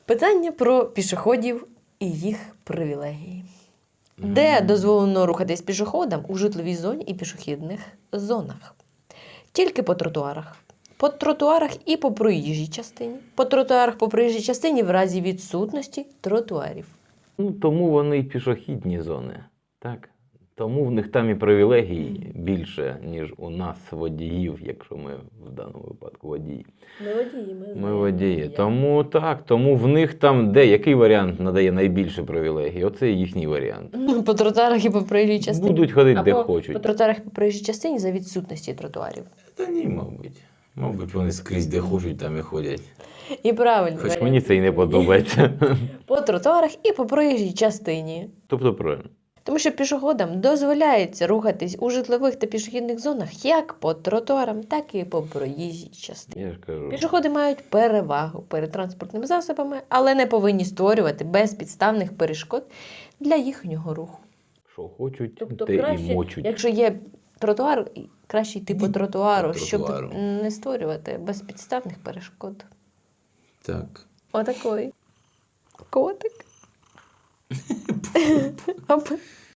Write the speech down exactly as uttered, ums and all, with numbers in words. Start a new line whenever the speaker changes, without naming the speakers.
Питання про пішоходів і їх привілегії. Де дозволено рухатись пішоходам у житловій зоні і пішохідних зонах? Тільки по тротуарах. По тротуарах і по проїжджій частині. По тротуарах по проїжджій частині в разі відсутності тротуарів.
Ну, тому вони й пішохідні зони. Так? Тому в них там і привілегій більше, ніж у нас водіїв, якщо ми в даному випадку водії.
Ми водії, ми,
Ми водії. Тому так, тому в них там де, який варіант надає найбільше привілегій? Оце їхній варіант.
По тротуарах і по проїжджій частині.
Будуть ходити де
Або
хочуть.
по тротуарах і по проїжджій частині за відсутності тротуарів.
Та ні, мабуть. Мабуть, вони скрізь де хочуть, там і ходять.
І правильно.
Хоч мені це і не подобається.
По тротуарах і по проїжджій частині.
Тобто правильно.
Тому що пішоходам дозволяється рухатись у житлових та пішохідних зонах як по тротуарам, так і по проїжджій частині.
Я ж кажу.
Пішоходи мають перевагу перед транспортними засобами, але не повинні створювати безпідставних перешкод для їхнього руху.
Що хочуть,
Тобто
те
краще,
і мочуть.
якщо є тротуар, краще йти по тротуару,
По
щоб
тротуару.
не створювати безпідставних перешкод.
Так.
Отакий котик. Оп.